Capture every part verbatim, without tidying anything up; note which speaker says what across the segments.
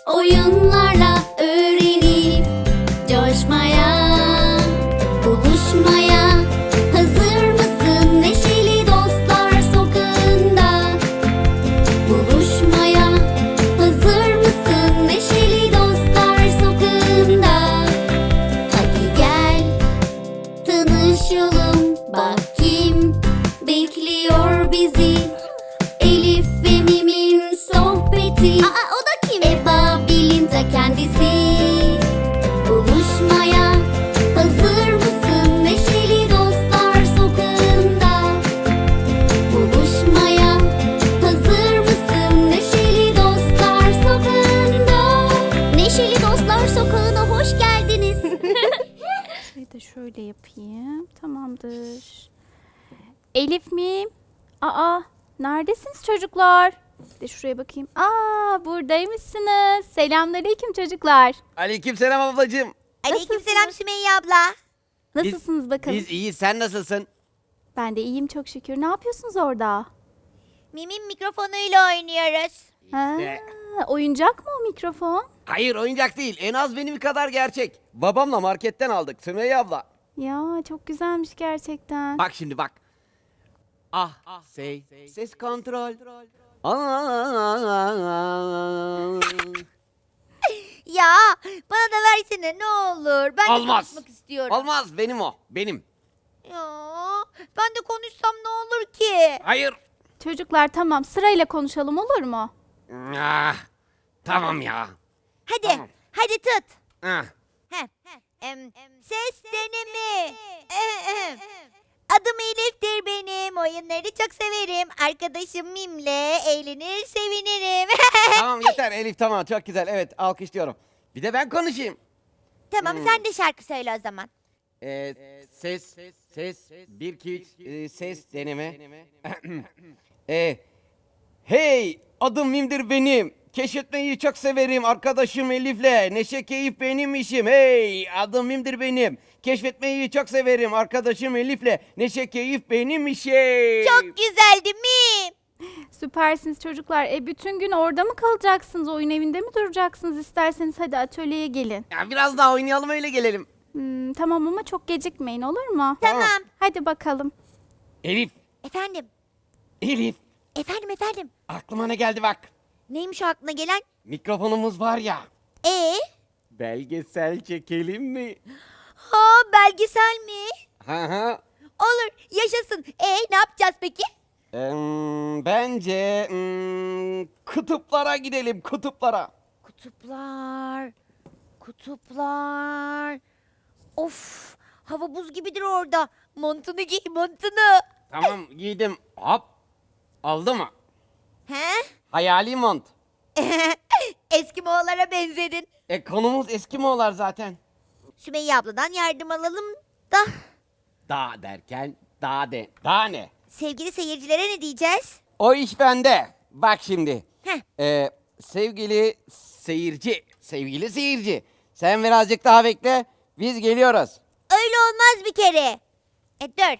Speaker 1: Oyunlarla öğrenip coşmaya, buluşmaya hazır mısın? Neşeli Dostlar Sokağı'nda buluşmaya hazır mısın? Neşeli Dostlar Sokağı'nda hadi gel tanışalım, bak kim bekliyor bizi. Elif ve Mim'in sohbeti. Aa, o da kim? Eba Bil'in ta kendisi. Buluşmaya hazır mısın? Neşeli Dostlar Sokağı'nda buluşmaya hazır mısın? Neşeli Dostlar Sokağı'nda. Neşeli Dostlar Sokağı'na hoş geldiniz.
Speaker 2: Şurayı da şöyle yapayım. Tamamdır. Elif miyim? Aa, neredesiniz çocuklar? Bir de şuraya bakayım. Aa, buradaymışsınız. Selamünaleyküm çocuklar.
Speaker 3: Aleykümselam ablacığım.
Speaker 4: Aleykümselam Sümeyye abla.
Speaker 2: Nasılsınız
Speaker 3: Biz-
Speaker 2: bakalım?
Speaker 3: Biz iyiyiz, sen nasılsın?
Speaker 2: Ben de iyiyim çok şükür. Ne yapıyorsunuz orada?
Speaker 4: Mim'in mikrofonuyla oynuyoruz.
Speaker 2: Ha,
Speaker 3: İşte.
Speaker 2: oyuncak mı o mikrofon?
Speaker 3: Hayır, oyuncak değil, en az benim kadar gerçek. Babamla marketten aldık Sümeyye abla.
Speaker 2: Ya çok güzelmiş gerçekten.
Speaker 3: Bak şimdi bak. Ah, say, ses kontrol. Aa.
Speaker 4: Ya bana da versene ne olur. Ben de
Speaker 3: Olmaz.
Speaker 4: konuşmak istiyorum.
Speaker 3: Olmaz, benim o, benim.
Speaker 4: Ya ben de konuşsam ne olur ki?
Speaker 3: Hayır.
Speaker 2: Çocuklar tamam sırayla konuşalım olur mu?
Speaker 3: Ah, tamam ya.
Speaker 4: Hadi
Speaker 3: Tamam.
Speaker 4: hadi tut.
Speaker 3: Ah.
Speaker 4: Heh. Em, ses deneme. Ehem. Adım Elif'tir benim. Oyunları çok severim. Arkadaşım Mim'le eğlenir sevinirim.
Speaker 3: Tamam yeter Elif, tamam, çok güzel, evet, alkışlıyorum. Bir de ben konuşayım.
Speaker 4: Tamam sen de şarkı söyle o zaman.
Speaker 3: Ee, ses, ses, bir, iki, üç, e, ses deneme. ee, hey, adım Mim'dir benim. Keşfetmeyi çok severim arkadaşım Elif'le. Neşe keyif benim işim. Hey, adım Mim'dir benim. Keşfetmeyi çok severim arkadaşım Elif'le. Neşe keyif benim işim.
Speaker 4: Çok güzeldi Mim.
Speaker 2: Süpersiniz çocuklar. E bütün gün orada mı kalacaksınız? Oyun evinde mi duracaksınız? İsterseniz hadi atölyeye gelin.
Speaker 3: Ya biraz daha oynayalım, öyle gelelim.
Speaker 2: Hmm, tamam ama çok gecikmeyin olur mu?
Speaker 4: Tamam.
Speaker 2: Hadi bakalım.
Speaker 3: Elif,
Speaker 4: Efendim.
Speaker 3: Elif.
Speaker 4: Efendim efendim.
Speaker 3: Aklıma ne geldi bak.
Speaker 4: Neymiş o aklına gelen?
Speaker 3: Mikrofonumuz var ya.
Speaker 4: Ee?
Speaker 3: Belgesel çekelim mi?
Speaker 4: Ha belgesel mi?
Speaker 3: Ha ha.
Speaker 4: Olur yaşasın. Ee ne yapacağız peki?
Speaker 3: Em, bence em, kutuplara gidelim, kutuplara.
Speaker 4: Kutuplar. Kutuplar. Of hava buz gibidir orada. Montunu giy montunu.
Speaker 3: Tamam, giydim. Hop. Oldu mu?
Speaker 4: He?
Speaker 3: Hayali mont.
Speaker 4: Eskimoğullara benzedin.
Speaker 3: E konumuz Eskimoğullar zaten.
Speaker 4: Sümeyye abladan yardım alalım da.
Speaker 3: Dağ derken dağ de. Dağ ne?
Speaker 4: Sevgili seyircilere ne diyeceğiz?
Speaker 3: O iş bende. Bak şimdi.
Speaker 4: Heh.
Speaker 3: Ee, sevgili seyirci, sevgili seyirci. Sen birazcık daha bekle. Biz geliyoruz.
Speaker 4: Öyle olmaz bir kere. E dur.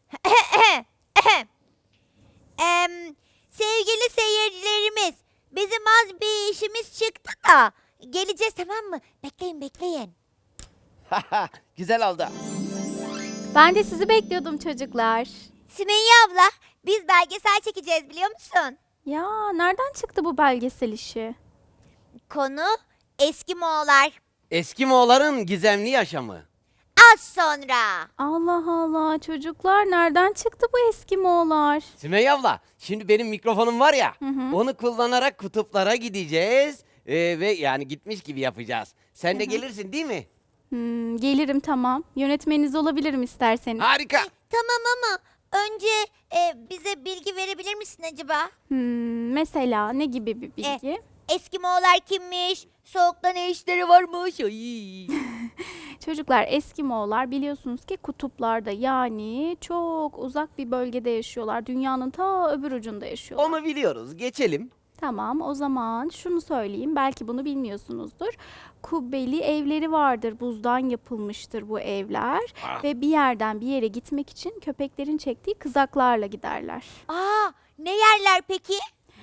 Speaker 4: Em, sevgili seyircilerimiz, bizim az bir işimiz çıktı da geleceğiz tamam mı? Bekleyin bekleyin.
Speaker 3: Güzel oldu.
Speaker 2: Ben de sizi bekliyordum çocuklar.
Speaker 4: Sümeyye abla, biz belgesel çekeceğiz biliyor musun?
Speaker 2: Ya nereden çıktı bu belgesel işi?
Speaker 4: Konu Eskimoğullar.
Speaker 3: Eskimoğulların gizemli yaşamı.
Speaker 4: Az sonra.
Speaker 2: Allah Allah çocuklar nereden çıktı bu Eskimoğullar?
Speaker 3: Sümeyye abla, şimdi benim mikrofonum var ya,
Speaker 2: hı.
Speaker 3: onu kullanarak kutuplara gideceğiz ee, ve yani gitmiş gibi yapacağız. Sen de gelirsin değil mi?
Speaker 2: Hmm, gelirim tamam. Yönetmeniniz olabilirim isterseniz.
Speaker 3: Harika.
Speaker 4: Tamam ama önce e, bize bilgi verebilir misin acaba?
Speaker 2: Hmm, mesela ne gibi bir
Speaker 4: E,
Speaker 2: bilgi?
Speaker 4: Eskimoğullar kimmiş? Soğukta ne işleri varmış? Ay.
Speaker 2: Çocuklar Eskimoğullar biliyorsunuz ki kutuplarda yani çok uzak bir bölgede yaşıyorlar. Dünyanın ta öbür ucunda yaşıyorlar.
Speaker 3: Onu biliyoruz. Geçelim.
Speaker 2: Tamam o zaman şunu söyleyeyim belki bunu bilmiyorsunuzdur. Kubbeli evleri vardır, buzdan yapılmıştır bu evler
Speaker 3: Ah.
Speaker 2: ve bir yerden bir yere gitmek için köpeklerin çektiği kızaklarla giderler.
Speaker 4: Aa, ne yerler peki?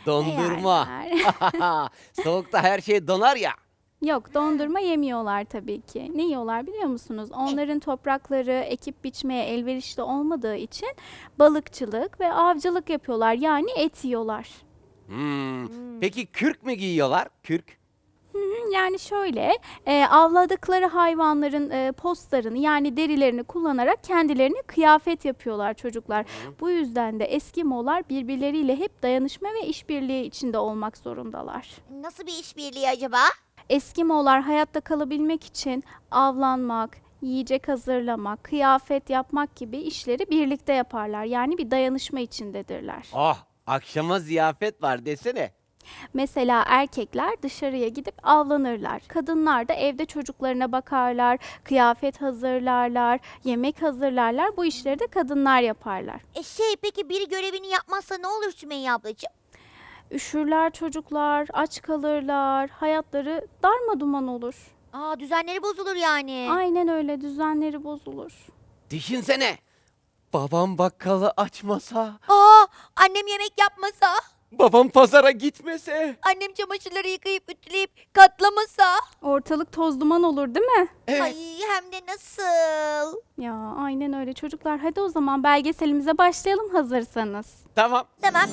Speaker 3: Dondurma.
Speaker 2: Yerler.
Speaker 3: Soğukta her şey donar ya.
Speaker 2: Yok, dondurma yemiyorlar tabii ki. Ne yiyorlar biliyor musunuz? Onların toprakları ekip biçmeye elverişli olmadığı için balıkçılık ve avcılık yapıyorlar. Yani et yiyorlar.
Speaker 3: Hmm. Peki kürk mü giyiyorlar? Kürk.
Speaker 2: Yani şöyle, e, avladıkları hayvanların e, postlarını yani derilerini kullanarak kendilerine kıyafet yapıyorlar çocuklar. Bu yüzden de Eskimolar birbirleriyle hep dayanışma ve işbirliği içinde olmak zorundalar.
Speaker 4: Nasıl bir işbirliği acaba?
Speaker 2: Eskimolar hayatta kalabilmek için avlanmak, yiyecek hazırlamak, kıyafet yapmak gibi işleri birlikte yaparlar. Yani bir dayanışma içindedirler.
Speaker 3: Oh, akşama ziyafet var desene.
Speaker 2: Mesela erkekler dışarıya gidip avlanırlar. Kadınlar da evde çocuklarına bakarlar, kıyafet hazırlarlar, yemek hazırlarlar. Bu işleri de kadınlar yaparlar.
Speaker 4: E şey peki biri görevini yapmazsa ne olur Sümeyye ablacığım?
Speaker 2: Üşürler çocuklar, aç kalırlar, hayatları darmaduman olur.
Speaker 4: Aa düzenleri bozulur yani.
Speaker 2: Aynen öyle, düzenleri bozulur.
Speaker 3: Düşünsene. Babam bakkalı açmasa,
Speaker 4: Aa annem yemek yapmasa,
Speaker 3: babam pazara gitmese.
Speaker 4: annem çamaşırları yıkayıp ütüleyip katlamasa.
Speaker 2: Ortalık toz duman olur değil mi?
Speaker 3: Evet.
Speaker 4: Ay hem de nasıl?
Speaker 2: Ya aynen öyle çocuklar. Hadi o zaman belgeselimize başlayalım hazırsanız.
Speaker 3: Tamam.
Speaker 4: Tamam.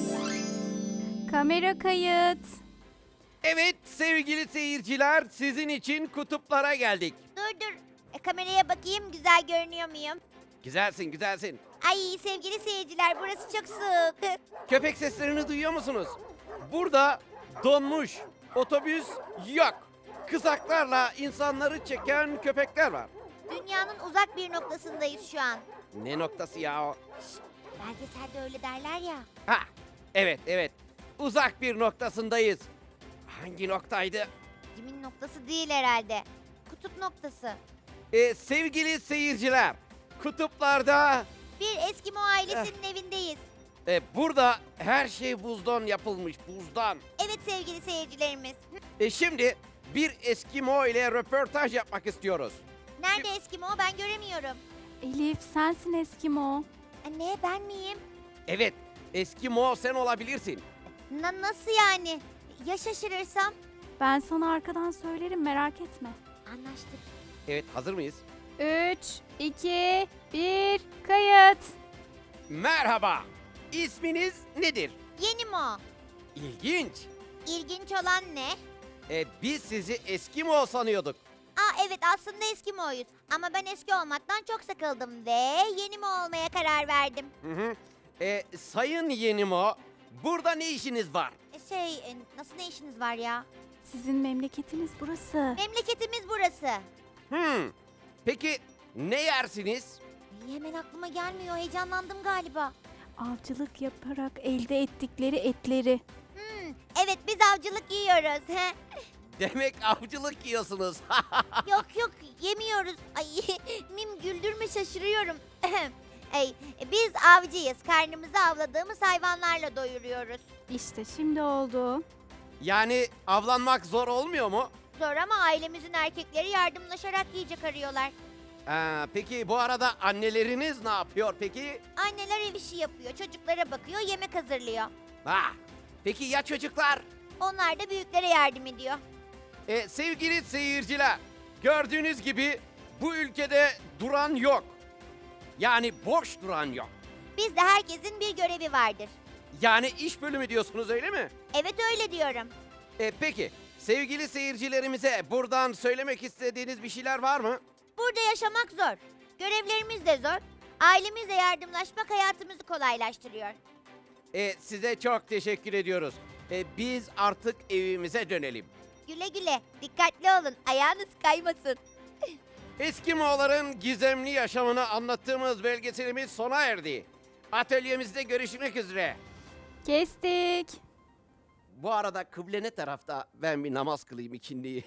Speaker 2: Kamera kayıt.
Speaker 3: Evet sevgili seyirciler, sizin için kutuplara geldik.
Speaker 4: Dur dur. E, kameraya bakayım güzel görünüyor muyum?
Speaker 3: Güzelsin, güzelsin.
Speaker 4: Ay sevgili seyirciler burası çok soğuk.
Speaker 3: Köpek seslerini duyuyor musunuz? Burada donmuş otobüs yok. Kızaklarla insanları çeken köpekler var.
Speaker 4: Dünyanın uzak bir noktasındayız şu an.
Speaker 3: Ne noktası ya o?
Speaker 4: Belgeselde öyle derler ya.
Speaker 3: Ha, evet evet. Uzak bir noktasındayız. Hangi noktaydı?
Speaker 4: Kimin noktası değil herhalde. Kutup noktası.
Speaker 3: Ee, sevgili seyirciler, kutuplarda
Speaker 4: Bir Eskimo ailesinin evindeyiz.
Speaker 3: e, burada her şey buzdan yapılmış, buzdan.
Speaker 4: Evet sevgili seyircilerimiz.
Speaker 3: E, şimdi bir Eskimo ile röportaj yapmak istiyoruz.
Speaker 4: Nerede Eskimo ben göremiyorum.
Speaker 2: Elif sensin Eskimo.
Speaker 4: Anne ben miyim?
Speaker 3: Evet, Eskimo sen olabilirsin.
Speaker 4: Na- nasıl yani? Ya şaşırırsam?
Speaker 2: Ben sana arkadan söylerim merak etme.
Speaker 4: Anlaştık.
Speaker 3: Evet, hazır mıyız?
Speaker 2: üç, iki, bir, kayıt.
Speaker 3: Merhaba, isminiz nedir?
Speaker 4: Yeni mo.
Speaker 3: İlginç.
Speaker 4: İlginç olan ne?
Speaker 3: E, biz sizi Eskimo sanıyorduk.
Speaker 4: Aa evet aslında Eskimo'yuz. Ama ben eski olmaktan çok sıkıldım ve yeni mi olmaya karar verdim.
Speaker 3: Hı hı. E, sayın Yenimo, burada ne işiniz var?
Speaker 4: E, Şey e, nasıl ne işiniz var ya?
Speaker 2: Sizin memleketiniz burası.
Speaker 4: Memleketimiz burası.
Speaker 3: Hmm. Peki ne yersiniz?
Speaker 4: Ay, hemen aklıma gelmiyor heyecanlandım galiba.
Speaker 2: Avcılık yaparak elde ettikleri etleri.
Speaker 4: Hmm, evet biz avcılık yiyoruz. he.
Speaker 3: Demek avcılık yiyorsunuz.
Speaker 4: yok yok yemiyoruz. Ay Mim güldürme şaşırıyorum. Ey, biz avcıyız. Karnımızı avladığımız hayvanlarla doyuruyoruz.
Speaker 2: İşte şimdi oldu.
Speaker 3: Yani avlanmak zor olmuyor mu?
Speaker 4: Zor ama ailemizin erkekleri yardımlaşarak yiyecek arıyorlar.
Speaker 3: Ee, peki bu arada anneleriniz ne yapıyor peki?
Speaker 4: Anneler ev işi yapıyor, çocuklara bakıyor, yemek hazırlıyor.
Speaker 3: Ha, peki ya çocuklar?
Speaker 4: Onlar da büyüklere yardım ediyor.
Speaker 3: Ee, sevgili seyirciler, gördüğünüz gibi bu ülkede duran yok. Yani boş duran yok.
Speaker 4: Bizde herkesin bir görevi vardır.
Speaker 3: Yani iş bölümü diyorsunuz öyle mi?
Speaker 4: Evet öyle diyorum.
Speaker 3: Ee, peki sevgili seyircilerimize buradan söylemek istediğiniz bir şeyler var mı?
Speaker 4: Burada yaşamak zor. Görevlerimiz de zor. Ailemizle yardımlaşmak hayatımızı kolaylaştırıyor.
Speaker 3: Ee, size çok teşekkür ediyoruz. Ee, biz artık evimize dönelim.
Speaker 4: Güle güle, dikkatli olun, ayağınız kaymasın.
Speaker 3: Eskimoğulların gizemli yaşamını anlattığımız belgeselimiz sona erdi. Atölyemizde görüşmek üzere.
Speaker 2: Kestik.
Speaker 3: Bu arada kıble ne tarafta? Ben bir namaz kılayım ikindiyi.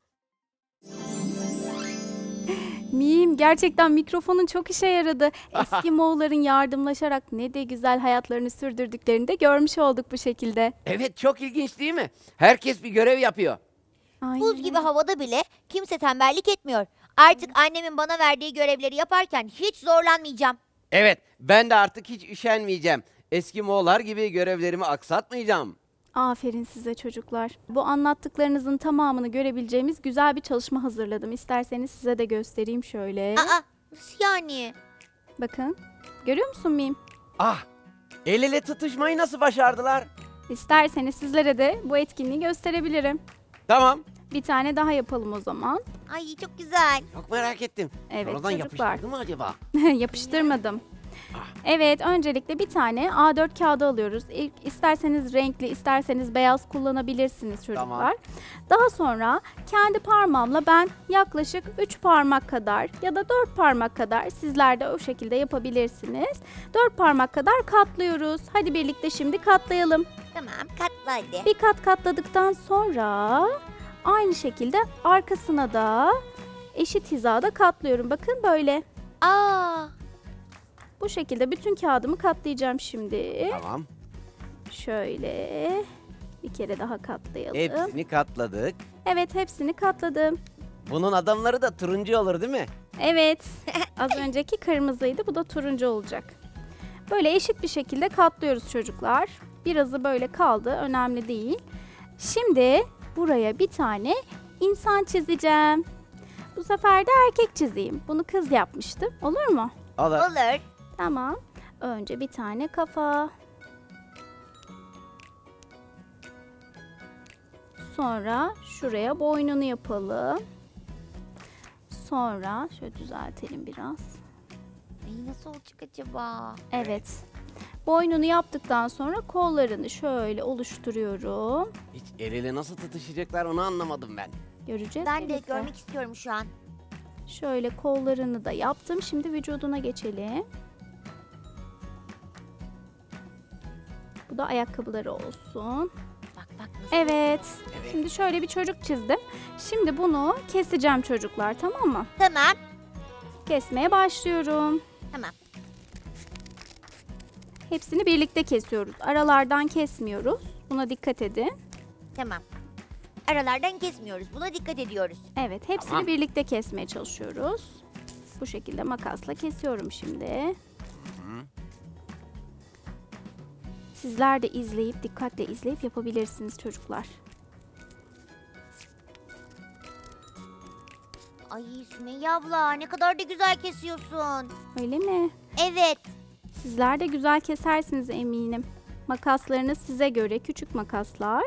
Speaker 2: Mim gerçekten mikrofonun çok işe yaradı. Eski Moğolların yardımlaşarak ne de güzel hayatlarını sürdürdüklerini de görmüş olduk bu şekilde.
Speaker 3: Evet, çok ilginç değil mi? Herkes bir görev yapıyor.
Speaker 2: Aynen
Speaker 4: Buz gibi
Speaker 2: öyle.
Speaker 4: havada bile kimse tembellik etmiyor. Artık annemin bana verdiği görevleri yaparken hiç zorlanmayacağım.
Speaker 3: Evet, ben de artık hiç üşenmeyeceğim. Eskimoğullar gibi görevlerimi aksatmayacağım.
Speaker 2: Aferin size çocuklar. Bu anlattıklarınızın tamamını görebileceğimiz güzel bir çalışma hazırladım. İsterseniz size de göstereyim şöyle.
Speaker 4: Aa, nasıl yani?
Speaker 2: Bakın. Görüyor musun Mim?
Speaker 3: Ah, el ele tutuşmayı nasıl başardılar?
Speaker 2: İsterseniz sizlere de bu etkinliği gösterebilirim.
Speaker 3: Tamam.
Speaker 2: Bir tane daha yapalım o zaman.
Speaker 4: Ay çok güzel.
Speaker 3: Çok merak ettim.
Speaker 2: Evet
Speaker 3: Sonradan
Speaker 2: çocuklar.
Speaker 3: yapıştırdı mı acaba?
Speaker 2: Yapıştırmadım. Evet, öncelikle bir tane A dört kağıdı alıyoruz. İlk isterseniz renkli, isterseniz beyaz kullanabilirsiniz çocuklar.
Speaker 3: Tamam.
Speaker 2: Daha sonra kendi parmağımla ben yaklaşık üç parmak kadar ya da dört parmak kadar, sizler de o şekilde yapabilirsiniz. dört parmak kadar katlıyoruz. Hadi birlikte şimdi katlayalım.
Speaker 4: Tamam, katla hadi.
Speaker 2: Bir kat katladıktan sonra aynı şekilde arkasına da eşit hizada katlıyorum. Bakın böyle.
Speaker 4: Aa,
Speaker 2: Bu şekilde bütün kağıdımı katlayacağım şimdi.
Speaker 3: Tamam.
Speaker 2: Şöyle bir kere daha katlayalım.
Speaker 3: Hepsini katladık.
Speaker 2: Evet, hepsini katladım.
Speaker 3: Bunun adamları da turuncu olur değil mi?
Speaker 2: Evet, az önceki kırmızıydı, bu da turuncu olacak. Böyle eşit bir şekilde katlıyoruz çocuklar. Birazı böyle kaldı, önemli değil. Şimdi buraya bir tane insan çizeceğim. Bu sefer de erkek çizeyim. Bunu kız yapmıştı. Olur mu?
Speaker 3: Olur.
Speaker 4: olur.
Speaker 2: Tamam. Önce bir tane kafa. Sonra şuraya boynunu yapalım. Sonra şöyle düzeltelim biraz.
Speaker 4: Ay nasıl olacak acaba?
Speaker 2: Evet. Boynunu yaptıktan sonra kollarını şöyle oluşturuyorum.
Speaker 3: Hiç el ele nasıl tutuşacaklar onu anlamadım ben.
Speaker 2: Göreceğiz.
Speaker 4: Ben de
Speaker 2: birlikte.
Speaker 4: görmek istiyorum şu an.
Speaker 2: Şöyle kollarını da yaptım. Şimdi vücuduna geçelim. Bu da ayakkabıları olsun.
Speaker 4: Bak bak nasıl.
Speaker 2: Evet.
Speaker 3: Evet.
Speaker 2: Şimdi şöyle bir çocuk çizdim. Şimdi bunu keseceğim çocuklar, tamam mı?
Speaker 4: Tamam,
Speaker 2: Kesmeye başlıyorum.
Speaker 4: tamam.
Speaker 2: Hepsini birlikte kesiyoruz. Aralardan kesmiyoruz. Buna dikkat edin.
Speaker 4: Tamam. Aralardan kesmiyoruz. Buna dikkat ediyoruz.
Speaker 2: Evet, hepsini
Speaker 3: Tamam.
Speaker 2: birlikte kesmeye çalışıyoruz. Bu şekilde makasla kesiyorum şimdi. Sizler de izleyip, dikkatle izleyip yapabilirsiniz çocuklar.
Speaker 4: Ay Sümeyye abla ne kadar da güzel kesiyorsun.
Speaker 2: Öyle mi?
Speaker 4: Evet.
Speaker 2: Sizler de güzel kesersiniz eminim. Makaslarınız size göre küçük makaslar.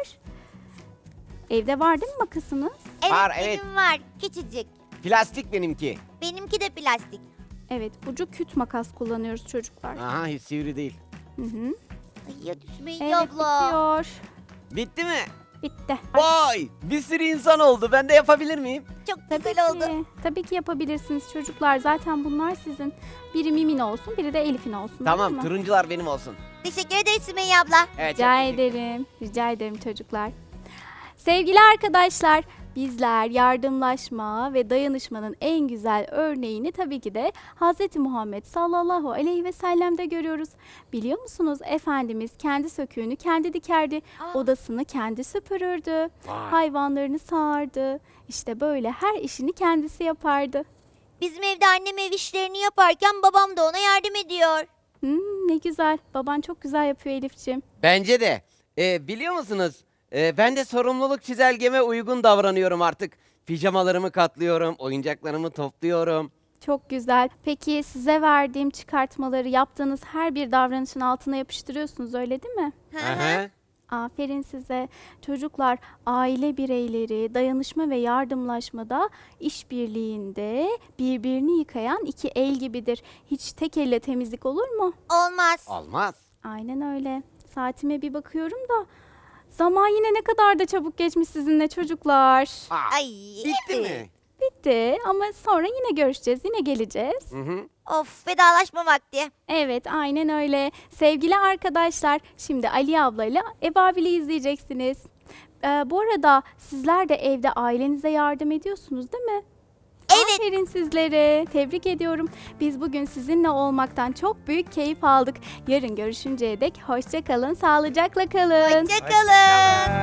Speaker 2: Evde var değil mi makasınız?
Speaker 4: Evet
Speaker 3: Var,
Speaker 4: benim
Speaker 3: evet.
Speaker 4: var. Küçücük.
Speaker 3: Plastik benimki.
Speaker 4: Benimki de plastik.
Speaker 2: Evet, ucu küt makas kullanıyoruz çocuklar.
Speaker 3: Aha hiç sivri değil.
Speaker 2: Hı hı.
Speaker 4: Ay hadi Sümeyye
Speaker 2: Evet,
Speaker 4: abla.
Speaker 2: bitiyor.
Speaker 3: Bitti mi?
Speaker 2: Bitti.
Speaker 3: Vay! Bir sürü insan oldu. Ben de yapabilir miyim?
Speaker 4: Çok
Speaker 2: Tabii
Speaker 4: güzel oldu.
Speaker 2: ki. Tabii ki yapabilirsiniz çocuklar. Zaten bunlar sizin. Biri Mim'in olsun, biri de Elif'in olsun.
Speaker 3: Tamam,
Speaker 2: olur mu?
Speaker 3: turuncular benim olsun.
Speaker 4: Teşekkür ederiz Sümeyye abla.
Speaker 3: Evet, çok
Speaker 2: Rica
Speaker 3: teşekkür-
Speaker 2: ederim. Rica ederim çocuklar. Sevgili arkadaşlar, bizler yardımlaşma ve dayanışmanın en güzel örneğini tabii ki de Hz. Muhammed sallallahu aleyhi ve sellem'de görüyoruz. Biliyor musunuz Efendimiz kendi söküğünü kendi dikerdi,
Speaker 4: Aa.
Speaker 2: odasını kendi süpürürdü,
Speaker 3: Vay.
Speaker 2: hayvanlarını sağardı. İşte böyle her işini kendisi yapardı.
Speaker 4: Bizim evde annem ev işlerini yaparken babam da ona yardım ediyor.
Speaker 2: Hmm, ne güzel. Baban çok güzel yapıyor Elif'ciğim.
Speaker 3: Bence de. Ee, biliyor musunuz? Ee, ben de sorumluluk çizelgeme uygun davranıyorum artık. Pijamalarımı katlıyorum, oyuncaklarımı topluyorum.
Speaker 2: Çok güzel. Peki size verdiğim çıkartmaları yaptığınız her bir davranışın altına yapıştırıyorsunuz, öyle değil mi?
Speaker 4: Hı
Speaker 3: Hı
Speaker 4: hı.
Speaker 3: hı.
Speaker 2: Aferin size. Çocuklar, aile bireyleri dayanışma ve yardımlaşmada, işbirliğinde birbirini yıkayan iki el gibidir. Hiç tek elle temizlik olur mu?
Speaker 4: Olmaz.
Speaker 3: Olmaz.
Speaker 2: Aynen öyle. Saatime bir bakıyorum da zaman yine ne kadar da çabuk geçmiş sizinle çocuklar.
Speaker 3: Aa,
Speaker 4: Ay.
Speaker 3: bitti
Speaker 4: evet.
Speaker 3: mi?
Speaker 2: Bitti ama sonra yine görüşeceğiz, yine geleceğiz.
Speaker 3: Hı hı.
Speaker 4: Of vedalaşma vakti.
Speaker 2: Evet, aynen öyle. Sevgili arkadaşlar, şimdi Ali ablayla Ebabil'i izleyeceksiniz. Ee, bu arada sizler de evde ailenize yardım ediyorsunuz değil mi?
Speaker 4: Evet.
Speaker 2: Aferin sizlere. Tebrik ediyorum. Biz bugün sizinle olmaktan çok büyük keyif aldık. Yarın görüşünceye dek hoşça kalın, sağlıcakla kalın.
Speaker 4: Hoşçakalın.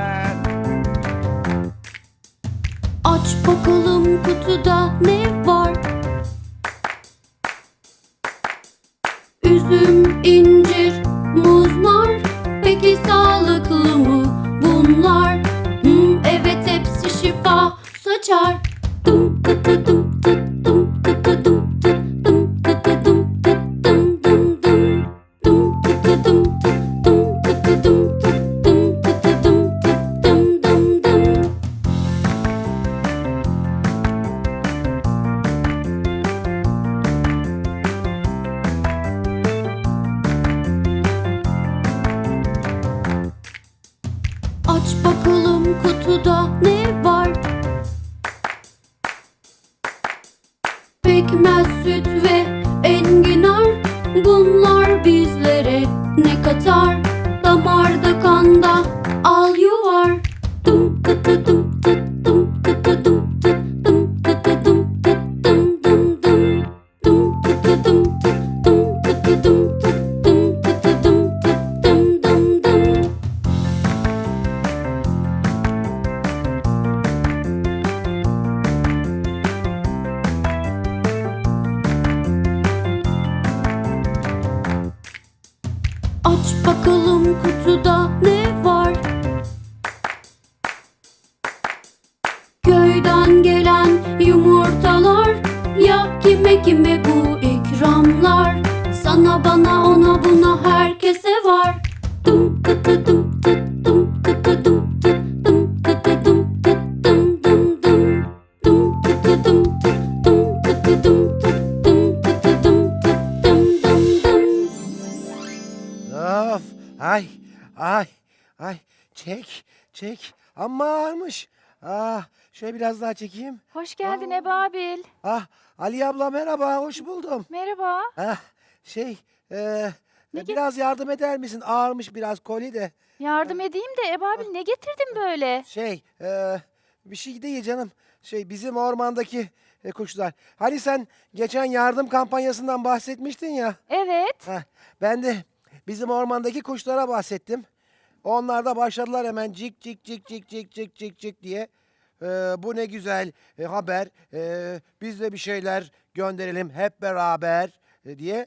Speaker 1: Aç bakalım kutuda ne var? Üzüm, incir, muz, nar. Peki sağlıklı mı? şifa saçar. Dım tıtı dım tıt dım tıtı dım tıt dım tıtı dım tıt dım dım dım. Dım tıtı dım tıt dım tıtı dım tıt dım tıtı dım tıt dım dım dım. Aç bakalım kutuda ne var? Pekmez, süt ve enginar. Bunlar bizlere ne katar? Damarda, kanda al yuvar. Dım tıtı dım tıt dım tıtı dım tıt dım tıtı dım tıt dım dım dım. Dım tıtı dım tıt dım tıtı dım tıt dım tıtı dım tıt dım dım dım. Aç bakalım kutuda ne var? Köyden gelen yumurtalar. Ya kime kime bu ikramlar? Sana, bana, ona, buna, herkese var. Dım tıtı dım tıt dım tıtı dım tıt dım tıtı dım tıt dım dım dım. Dım tıtı dım tıt dım tıtı dım tıt dım tıtı dım tıt dım dım dım.
Speaker 5: Of, ay, ay, ay, çek, çek. Amma ağırmış. Ah, şöyle biraz daha çekeyim.
Speaker 2: Hoş geldin Ebabil.
Speaker 5: Ah, Ali abla merhaba, hoş buldum.
Speaker 2: Merhaba.
Speaker 5: Ah, şey, e,
Speaker 2: Ne ge-
Speaker 5: biraz yardım eder misin? Ağırmış biraz koli de.
Speaker 2: Yardım edeyim de Ebabil ne getirdin böyle?
Speaker 5: Şey, e, bir şey değil canım. Şey, bizim ormandaki e, kuşlar. Hani sen geçen yardım kampanyasından bahsetmiştin ya.
Speaker 2: Evet.
Speaker 5: Heh, ben de bizim ormandaki kuşlara bahsettim. Onlar da başladılar hemen cik cik cik cik cik cik cik cik diye. Ee, bu ne güzel e, haber. Ee, biz de bir şeyler gönderelim hep beraber e, diye.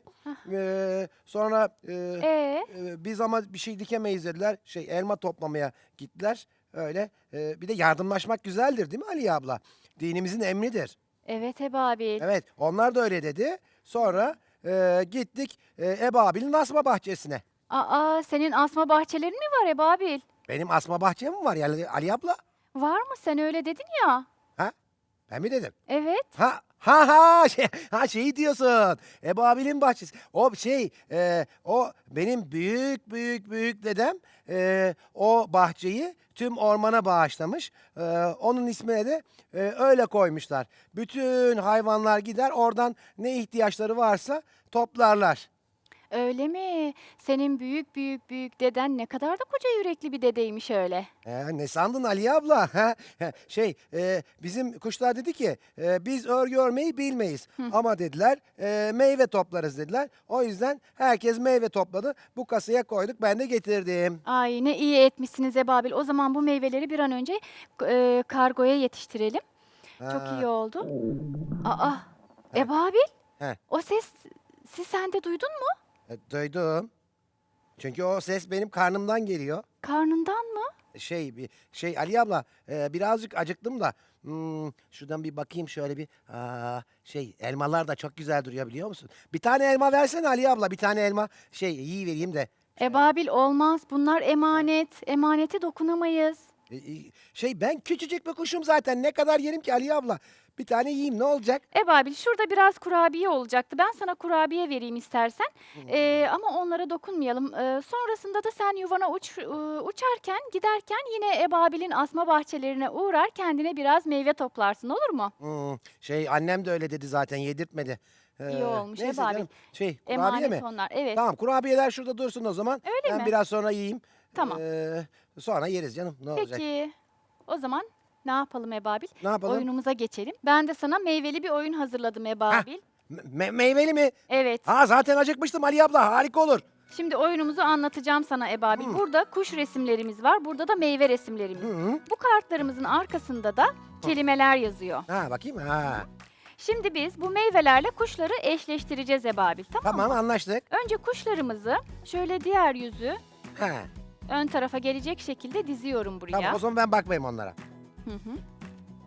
Speaker 5: Ee, sonra e,
Speaker 2: Ee,
Speaker 5: e, biz ama bir şey dikemeyiz dediler. Şey elma toplamaya gittiler. Öyle. Ee, bir de yardımlaşmak güzeldir değil mi Ali abla? Dinimizin emridir.
Speaker 2: evet Ebabil.
Speaker 5: Evet, onlar da öyle dedi. Sonra e, gittik e, Ebabil'in asma bahçesine.
Speaker 2: Aa, senin asma bahçelerin mi var Ebabil?
Speaker 5: Benim asma bahçem mi var yani Ali abla?
Speaker 2: Var mı? Sen öyle dedin ya.
Speaker 5: Ha? Ben mi dedim?
Speaker 2: Evet.
Speaker 5: Ha ha ha şey, ha şeyi diyorsun. Ebabil'in bahçesi. O şey e, o benim büyük büyük büyük dedem e, o bahçeyi tüm ormana bağışlamış. E, onun ismine de e, öyle koymuşlar. Bütün hayvanlar gider oradan ne ihtiyaçları varsa toplarlar.
Speaker 2: Öyle mi? Senin büyük büyük büyük deden ne kadar da koca yürekli bir dedeymiş öyle.
Speaker 5: Ee, ne sandın Ali abla? Ha? Ha, Şey, e, bizim kuşlar dedi ki e, biz örgü örmeyi bilmeyiz. Ama dediler e, meyve toplarız dediler. O yüzden herkes meyve topladı. Bu kasaya koyduk ben de getirdim.
Speaker 2: Ay ne iyi etmişsiniz Ebabil. O zaman bu meyveleri bir an önce e, kargoya yetiştirelim. Çok
Speaker 5: Ha.
Speaker 2: iyi oldu. Aa, Ebabil.
Speaker 5: He.
Speaker 2: O ses siz sen de duydun mu?
Speaker 5: E, duydum. Çünkü o ses benim karnımdan geliyor.
Speaker 2: Karnından mı?
Speaker 5: Şey, bir şey Ali abla e, birazcık acıktım da hmm, şuradan bir bakayım şöyle bir aa, şey elmalar da çok güzel duruyor biliyor musun? Bir tane elma versene Ali abla bir tane elma şey iyi vereyim de.
Speaker 2: Ebabil olmaz. Bunlar emanet. Emanete dokunamayız.
Speaker 5: E, e, Şey ben küçücük bir kuşum zaten ne kadar yerim ki Ali abla. Bir tane yiyeyim ne olacak?
Speaker 2: Ebabil şurada biraz kurabiye olacaktı. Ben sana kurabiye vereyim istersen. Ee, ama onlara dokunmayalım. Ee, sonrasında da sen yuvana uç, e, uçarken giderken yine Ebabil'in asma bahçelerine uğrar kendine biraz meyve toplarsın olur mu?
Speaker 5: Hmm, şey annem de öyle dedi zaten yedirtmedi. Ee,
Speaker 2: İyi olmuş,
Speaker 5: neyse
Speaker 2: Ebabil.
Speaker 5: canım. Şey kurabiye
Speaker 2: Emanet
Speaker 5: mi?
Speaker 2: onlar. Evet.
Speaker 5: Tamam kurabiyeler şurada dursun o zaman.
Speaker 2: Öyle
Speaker 5: ben
Speaker 2: mi?
Speaker 5: biraz sonra yiyeyim.
Speaker 2: Tamam.
Speaker 5: Ee, sonra yeriz canım ne olacak?
Speaker 2: Peki. O zaman ne yapalım Ebabil?
Speaker 5: Ne yapalım?
Speaker 2: Oyunumuza geçelim. Ben de sana meyveli bir oyun hazırladım Ebabil.
Speaker 5: Me- meyveli mi?
Speaker 2: Evet.
Speaker 5: Ha zaten acıkmıştım Ali abla harika olur.
Speaker 2: Şimdi oyunumuzu anlatacağım sana Ebabil. Burada kuş resimlerimiz var. Burada da meyve resimlerimiz.
Speaker 5: Hı.
Speaker 2: Bu kartlarımızın arkasında da kelimeler yazıyor.
Speaker 5: Ha bakayım ha.
Speaker 2: Şimdi biz bu meyvelerle kuşları eşleştireceğiz Ebabil. Tamam,
Speaker 5: Tamam
Speaker 2: mı?
Speaker 5: anlaştık.
Speaker 2: Önce kuşlarımızı şöyle diğer yüzü
Speaker 5: Ha.
Speaker 2: ön tarafa gelecek şekilde diziyorum buraya.
Speaker 5: Tamam o zaman ben bakmayayım onlara.
Speaker 2: Hı hı.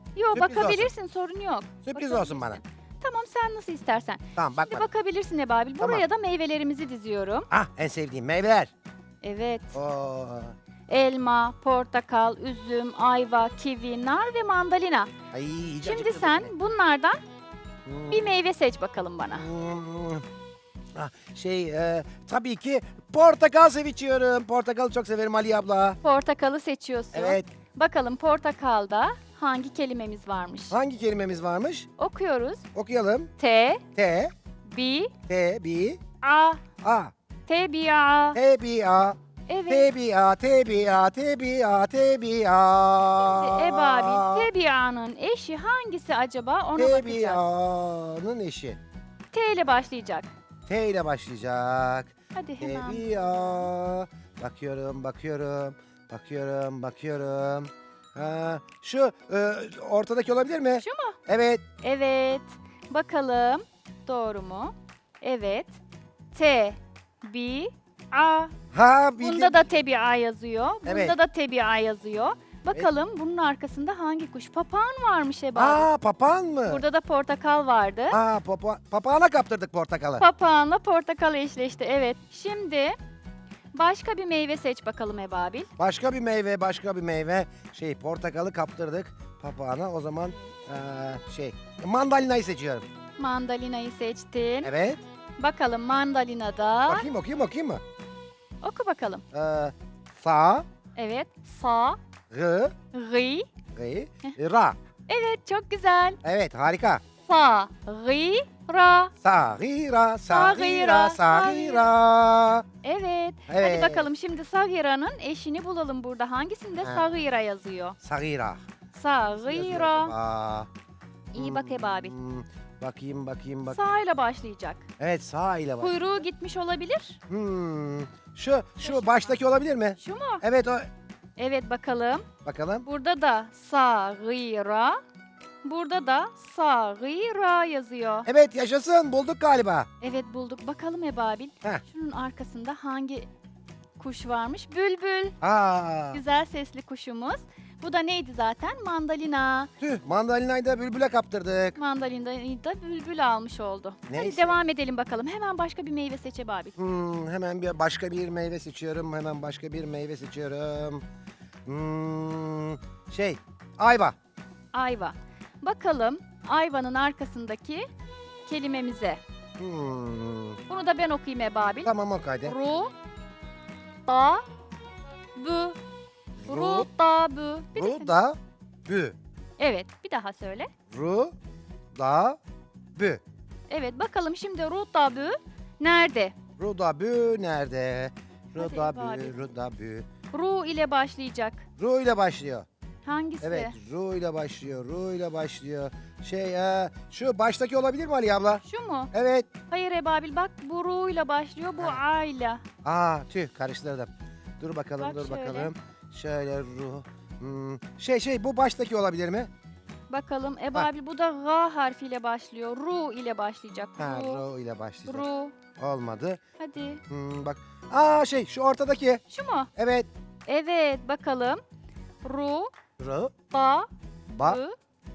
Speaker 2: Yok
Speaker 5: Sürpriz
Speaker 2: bakabilirsin sorun yok.
Speaker 5: Sürpriz olsun bana.
Speaker 2: Bakabilirsin. Tamam sen nasıl istersen.
Speaker 5: Tamam bak
Speaker 2: Şimdi
Speaker 5: bak.
Speaker 2: bakabilirsin Ebabil.
Speaker 5: Tamam.
Speaker 2: Buraya da meyvelerimizi diziyorum.
Speaker 5: Ah en sevdiğim meyveler.
Speaker 2: Evet.
Speaker 5: Oo.
Speaker 2: Elma, portakal, üzüm, ayva, kivi, nar ve mandalina.
Speaker 5: Ay, iyice
Speaker 2: Şimdi
Speaker 5: acıktırdın
Speaker 2: sen
Speaker 5: beni.
Speaker 2: bunlardan
Speaker 5: Hmm.
Speaker 2: bir meyve seç bakalım bana.
Speaker 5: Hmm. Ah, şey e, tabii ki portakal seviyorum. Portakalı çok severim Ali abla.
Speaker 2: Portakalı seçiyorsun.
Speaker 5: Evet.
Speaker 2: Bakalım portakalda hangi kelimemiz varmış?
Speaker 5: Hangi kelimemiz varmış?
Speaker 2: Okuyoruz.
Speaker 5: Okuyalım.
Speaker 2: T,
Speaker 5: T,
Speaker 2: B,
Speaker 5: T, B,
Speaker 2: A,
Speaker 5: A,
Speaker 2: T, B, A.
Speaker 5: T, B, A,
Speaker 2: Evet.
Speaker 5: T, B, A, T, B, A, T, B, A, T, B, A.
Speaker 2: Ebabil, T, B, A'nın eşi hangisi acaba? Ona
Speaker 5: T, B,
Speaker 2: bakacağız.
Speaker 5: A'nın eşi.
Speaker 2: T ile başlayacak.
Speaker 5: T ile başlayacak.
Speaker 2: Hadi
Speaker 5: T,
Speaker 2: hemen.
Speaker 5: B, A. Bakıyorum, bakıyorum, bakıyorum, bakıyorum. Ha, şu e, ortadaki olabilir mi?
Speaker 2: Şu mu?
Speaker 5: Evet.
Speaker 2: Evet. Bakalım. Doğru mu? Evet. T, B, A.
Speaker 5: Ha bildim.
Speaker 2: Bunda da T, B, A yazıyor. Bunda
Speaker 5: Evet.
Speaker 2: da T, B, A yazıyor. Bakalım bunun arkasında hangi kuş? Papağan varmış Ebabil.
Speaker 5: Aa papağan mı?
Speaker 2: Burada da portakal vardı.
Speaker 5: Aa papa papağana kaptırdık portakalı.
Speaker 2: Papağanla portakal eşleşti. Evet. Şimdi başka bir meyve seç bakalım Ebabil.
Speaker 5: Başka bir meyve, başka bir meyve. Şey portakalı kaptırdık papağana. O zaman eee, şey mandalinayı seçiyorum.
Speaker 2: Mandalinayı seçtin.
Speaker 5: Evet.
Speaker 2: Bakalım mandalinada.
Speaker 5: Bakayım okuyayım okuyayım mı?
Speaker 2: Oku bakalım.
Speaker 5: Eee sa,
Speaker 2: Evet. Sa,
Speaker 5: rı,
Speaker 2: ri.
Speaker 5: ri, ra.
Speaker 2: Evet çok güzel.
Speaker 5: Evet harika.
Speaker 2: Sa, ri, ra.
Speaker 5: Sa, ri, ra, sa, ri,
Speaker 2: Sagira,
Speaker 5: ra, sa, ri, ra.
Speaker 2: Evet.
Speaker 5: Evet.
Speaker 2: Hadi bakalım şimdi Sagira'nın eşini bulalım burada. Hangisinde
Speaker 5: Ha.
Speaker 2: Sagira yazıyor?
Speaker 5: Sagira.
Speaker 2: Sagira.
Speaker 5: Aa,
Speaker 2: İyi bak Ebabil.
Speaker 5: hmm, bakayım bakayım bak.
Speaker 2: Sa ile başlayacak.
Speaker 5: Evet sağ ile bak.
Speaker 2: Kuyruğu gitmiş olabilir.
Speaker 5: Hmm, şu şu baştaki olabilir mi?
Speaker 2: Şu mu?
Speaker 5: Evet o.
Speaker 2: Evet bakalım.
Speaker 5: Bakalım.
Speaker 2: Burada da Sagira. Burada da Sagira yazıyor.
Speaker 5: Evet yaşasın bulduk galiba.
Speaker 2: Evet bulduk. Bakalım Ebabil.
Speaker 5: Heh.
Speaker 2: Şunun arkasında hangi kuş varmış? Bülbül.
Speaker 5: Aa,
Speaker 2: Güzel sesli kuşumuz. Bu da neydi zaten? Mandalina.
Speaker 5: tüh mandalinayı da bülbüle kaptırdık.
Speaker 2: Mandalina'yı da bülbül almış oldu. Hadi
Speaker 5: Neyse.
Speaker 2: devam edelim bakalım. Hemen başka bir meyve seç Ebabil.
Speaker 5: Hmm, hemen bir başka bir meyve seçiyorum. Hemen başka bir meyve seçiyorum. Hmm, şey ayva.
Speaker 2: Ayva. Bakalım ayvanın arkasındaki kelimemize.
Speaker 5: Hmm,
Speaker 2: Bunu da ben okuyayım Ebabil.
Speaker 5: tamam o kaydı.
Speaker 2: Ru, da, bü. Ru, da, bü. Bir de sen-
Speaker 5: Ru da bü.
Speaker 2: Evet, bir daha söyle.
Speaker 5: Ru da bü.
Speaker 2: Evet, bakalım şimdi ru, da, bü nerede?
Speaker 5: Ru da bü nerede? Ru
Speaker 2: Hadi
Speaker 5: da
Speaker 2: Ebabil.
Speaker 5: bü, ru da bü.
Speaker 2: Ru ile başlayacak.
Speaker 5: Ru ile başlıyor.
Speaker 2: Hangisi?
Speaker 5: Evet, Ru ile başlıyor, Ru ile başlıyor. Şey, e, şu baştaki olabilir mi Ali abla?
Speaker 2: Şu mu?
Speaker 5: Evet.
Speaker 2: Hayır Ebabil bak bu ru ile başlıyor, bu
Speaker 5: Ha.
Speaker 2: a ile.
Speaker 5: Aa, tüh karıştırdım. Dur bakalım,
Speaker 2: Bak
Speaker 5: dur
Speaker 2: şöyle.
Speaker 5: bakalım. Şöyle Ru. Hmm, Şey şey bu baştaki olabilir mi?
Speaker 2: Bakalım Ebabil bu da ga harfiyle başlıyor. Ru ile başlayacak.
Speaker 5: Ha,
Speaker 2: Ru.
Speaker 5: Ru ile başlayacak.
Speaker 2: Ru.
Speaker 5: Olmadı.
Speaker 2: Hadi.
Speaker 5: Hmm, bak. Aa şey şu ortadaki.
Speaker 2: Şu mu?
Speaker 5: Evet.
Speaker 2: Evet bakalım. Ru,
Speaker 5: Ru,
Speaker 2: da,
Speaker 5: ba,
Speaker 2: bü.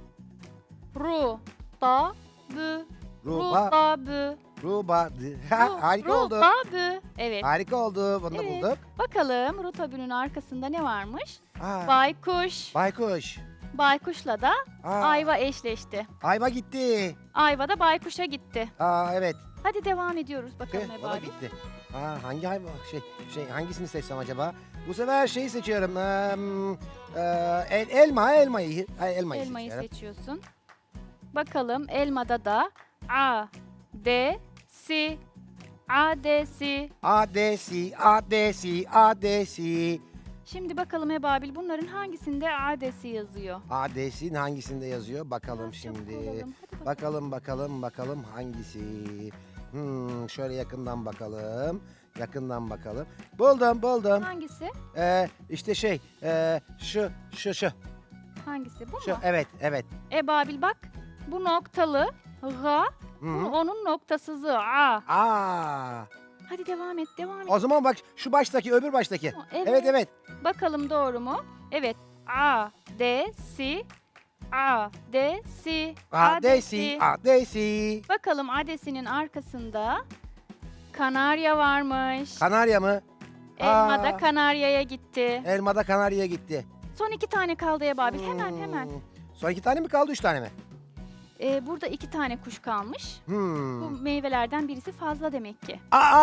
Speaker 2: Ru, da, bü.
Speaker 5: ru,
Speaker 2: Ru,
Speaker 5: ba,
Speaker 2: da, bü.
Speaker 5: ru, ba. dı. Ha,
Speaker 2: Ru,
Speaker 5: harika
Speaker 2: ru,
Speaker 5: oldu.
Speaker 2: da, bü. Evet.
Speaker 5: Harika oldu. Bunu da
Speaker 2: Evet.
Speaker 5: bulduk.
Speaker 2: Bakalım rutabünün arkasında ne varmış?
Speaker 5: Aa,
Speaker 2: Baykuş.
Speaker 5: baykuş.
Speaker 2: Baykuşla da
Speaker 5: Aa,
Speaker 2: ayva eşleşti.
Speaker 5: ayva gitti.
Speaker 2: Ayva da baykuşa gitti.
Speaker 5: Aa evet.
Speaker 2: Hadi devam ediyoruz bakalım
Speaker 5: Tüh, o da
Speaker 2: Ebabil.
Speaker 5: gitti. Aa, hangi hayvan şey şey hangisini seçsem acaba? Bu sefer şeyi seçiyorum. Eee, eee, el, elma elmayı ay, elmayı,
Speaker 2: Elmayı
Speaker 5: seçiyorum.
Speaker 2: seçiyorsun. Bakalım elmada da A, D, Si, A, D, Si.
Speaker 5: Adesi, adesi, adesi.
Speaker 2: Şimdi bakalım Ebabil bunların hangisinde A, D, Si yazıyor?
Speaker 5: Adesi'nin hangisinde yazıyor? Bakalım
Speaker 2: Çabuk
Speaker 5: şimdi.
Speaker 2: olalım, hadi bakalım.
Speaker 5: Bakalım bakalım bakalım hangisi? Hmm, şöyle yakından bakalım. Yakından bakalım. Buldum buldum.
Speaker 2: Hangisi?
Speaker 5: Ee, işte şey ee, şu şu şu.
Speaker 2: Hangisi bu
Speaker 5: Şu
Speaker 2: mu?
Speaker 5: evet evet.
Speaker 2: Ebabil bak bu noktalı Ga,
Speaker 5: Hı
Speaker 2: bu
Speaker 5: -hı.
Speaker 2: onun noktasızı A.
Speaker 5: Aa.
Speaker 2: Hadi devam et devam et.
Speaker 5: O zaman bak şu baştaki öbür baştaki.
Speaker 2: Evet.
Speaker 5: Evet evet.
Speaker 2: Bakalım doğru mu? Evet. A, D, Si, Adesi.
Speaker 5: Adesi, adesi.
Speaker 2: Bakalım adesinin arkasında kanarya varmış.
Speaker 5: Kanarya mı?
Speaker 2: Elmada
Speaker 5: Aa,
Speaker 2: kanaryaya gitti.
Speaker 5: elmada kanaryaya gitti.
Speaker 2: Son iki tane kaldı Ebabil. Hemen hemen.
Speaker 5: Hmm. Son iki tane mi kaldı, üç tane mi?
Speaker 2: Ee, burada iki tane kuş kalmış.
Speaker 5: Hmm.
Speaker 2: Bu meyvelerden birisi fazla demek ki.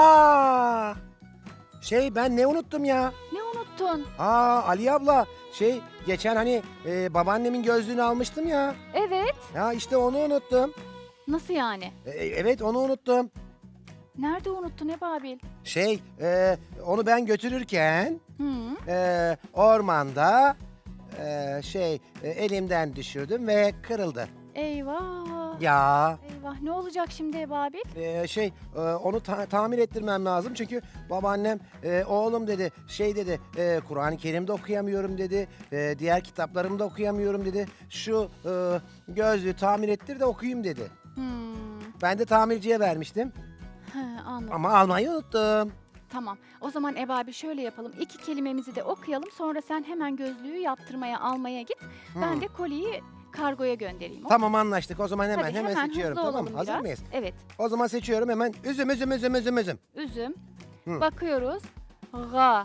Speaker 5: Aa! Şey, ben ne unuttum ya?
Speaker 2: Ne unuttun?
Speaker 5: Aa, Ali abla, şey geçen hani e, babaannemin gözlüğünü almıştım ya.
Speaker 2: Evet.
Speaker 5: Ya işte onu unuttum.
Speaker 2: Nasıl yani?
Speaker 5: E, evet, onu unuttum.
Speaker 2: Nerede unuttun Ebabil?
Speaker 5: Şey, e, onu ben götürürken
Speaker 2: Hı.
Speaker 5: e, ormanda e, şey e, elimden düşürdüm ve kırıldı.
Speaker 2: Eyvah.
Speaker 5: Ya
Speaker 2: Eyvah. Ne olacak şimdi Ebabil?
Speaker 5: e, şey e, onu ta- tamir ettirmem lazım çünkü babaannem e, oğlum dedi, şey dedi, e, Kur'an-ı Kerim'de okuyamıyorum dedi, e, diğer kitaplarımı da okuyamıyorum dedi. Şu e, gözlüğü tamir ettir de okuyayım dedi.
Speaker 2: Hmm.
Speaker 5: Ben de tamirciye vermiştim
Speaker 2: He, anladım.
Speaker 5: ama almayı unuttum.
Speaker 2: Tamam. O zaman Ebabil şöyle yapalım. İki kelimemizi de okuyalım. Sonra sen hemen gözlüğü yaptırmaya almaya git. Ben
Speaker 5: Hmm.
Speaker 2: de koliyi kargoya göndereyim.
Speaker 5: Tamam, anlaştık. O zaman hemen
Speaker 2: Hadi,
Speaker 5: hemen,
Speaker 2: hemen
Speaker 5: seçiyorum.
Speaker 2: hızlı
Speaker 5: Tamam,
Speaker 2: olalım
Speaker 5: hazır
Speaker 2: biraz.
Speaker 5: mıyız?
Speaker 2: Evet.
Speaker 5: O zaman seçiyorum hemen. Üzüm, üzüm, üzüm, üzüm, üzüm.
Speaker 2: Üzüm.
Speaker 5: Hı.
Speaker 2: Bakıyoruz. Ga.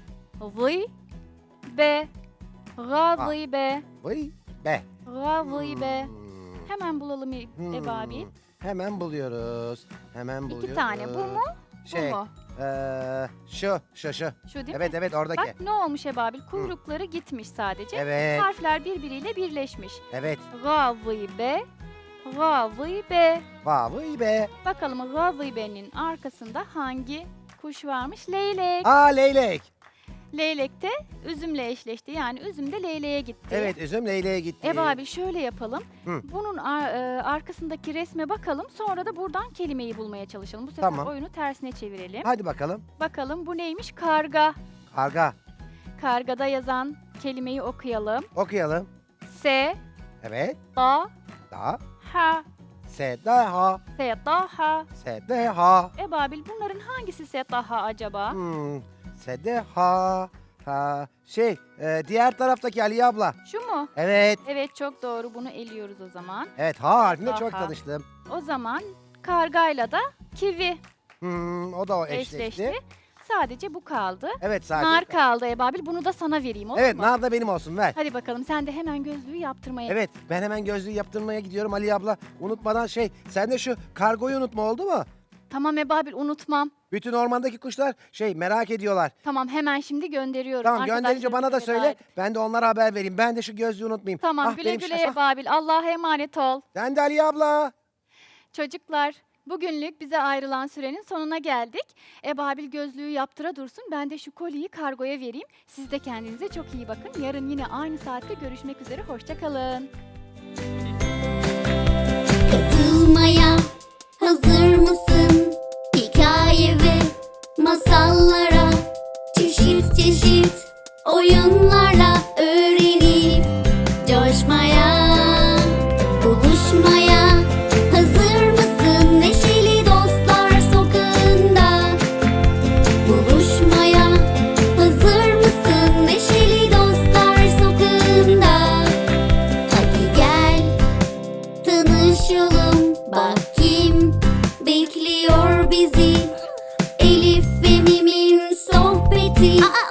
Speaker 2: Vı. Be. Ga
Speaker 5: Ah.
Speaker 2: vı be.
Speaker 5: Vay be.
Speaker 2: Ga vı be.
Speaker 5: Hmm.
Speaker 2: Hemen bulalım E-
Speaker 5: Hmm.
Speaker 2: Ebabil.
Speaker 5: Hemen buluyoruz. Hemen buluyoruz.
Speaker 2: İki tane. Bu mu?
Speaker 5: Şey,
Speaker 2: Bu mu?
Speaker 5: eee, şu, şu, şu.
Speaker 2: Şu değil
Speaker 5: Evet,
Speaker 2: mi?
Speaker 5: evet, oradaki.
Speaker 2: Bak ne olmuş Ebabil? Kuyrukları gitmiş sadece.
Speaker 5: Evet,
Speaker 2: Harfler birbiriyle birleşmiş.
Speaker 5: evet.
Speaker 2: Ga vı be. Ga vı be.
Speaker 5: Vay be.
Speaker 2: Bakalım Gavıbe'nin arkasında hangi kuş varmış? Leylek.
Speaker 5: Aa, leylek.
Speaker 2: Leylek de üzümle eşleşti. Yani üzüm de leyleğe gitti.
Speaker 5: Evet, üzüm leyleğe gitti.
Speaker 2: Ev abi şöyle yapalım.
Speaker 5: Hı.
Speaker 2: Bunun ar- e, arkasındaki resme bakalım. Sonra da buradan kelimeyi bulmaya çalışalım. Bu sefer
Speaker 5: Tamam.
Speaker 2: oyunu tersine çevirelim.
Speaker 5: Hadi bakalım.
Speaker 2: Bakalım bu neymiş? Karga.
Speaker 5: Karga.
Speaker 2: Kargada yazan kelimeyi okuyalım.
Speaker 5: Okuyalım.
Speaker 2: Se,
Speaker 5: Evet.
Speaker 2: da,
Speaker 5: Da.
Speaker 2: ha,
Speaker 5: Se, da, ha.
Speaker 2: se, da, ha.
Speaker 5: Se, de, ha.
Speaker 2: Ebabil bunların hangisi se, da, ha acaba?
Speaker 5: Hmm. Se, de, ha. Ha. Şey, e, diğer taraftaki Ali abla.
Speaker 2: Şu mu?
Speaker 5: Evet.
Speaker 2: Evet çok doğru. Bunu eliyoruz o zaman.
Speaker 5: Evet, ha harfinde çok
Speaker 2: Aha.
Speaker 5: tanıştım.
Speaker 2: O zaman kargayla da kivi
Speaker 5: Hmm, o da o eşleşti.
Speaker 2: eşleşti. Sadece bu kaldı.
Speaker 5: Evet, sadece.
Speaker 2: Nar kaldı Ebabil. Bunu da sana vereyim olur
Speaker 5: Evet,
Speaker 2: mu?
Speaker 5: nar da benim olsun, ver.
Speaker 2: Hadi bakalım sen de hemen gözlüğü yaptırmaya.
Speaker 5: Evet, ben hemen gözlüğü yaptırmaya gidiyorum Ali abla. Unutmadan şey, sen de şu kargoyu unutma, oldu mu?
Speaker 2: Tamam Ebabil unutmam.
Speaker 5: Bütün ormandaki kuşlar şey merak ediyorlar.
Speaker 2: Tamam hemen şimdi gönderiyorum.
Speaker 5: Tamam, gönderince bana da
Speaker 2: Arkadaşlarımı
Speaker 5: söyle.
Speaker 2: veda et.
Speaker 5: Ben de onlara haber vereyim. Ben de şu gözlüğü unutmayayım.
Speaker 2: Tamam
Speaker 5: Ah,
Speaker 2: güle
Speaker 5: benim
Speaker 2: güle
Speaker 5: şaş- ah,
Speaker 2: Ebabil. Allah'a emanet ol.
Speaker 5: Sen de Ali abla.
Speaker 2: Çocuklar bugünlük bize ayrılan sürenin sonuna geldik. Ebabil gözlüğü yaptıra dursun. Ben de şu koliyi kargoya vereyim. Siz de kendinize çok iyi bakın. Yarın yine aynı saatte görüşmek üzere. Hoşça kalın.
Speaker 1: Katılmaya hazır mısın? Hikaye ve masallara, çeşit çeşit oyunlarla öğrenip coşmaya, buluşmaya hazır mısın? Neşeli dostlar sokağında buluşmaya hazır mısın? Neşeli dostlar sokağında hadi gel tanışalım, bak kim bekliyor bizi. Elif ve Mim'in sohbeti. Aa,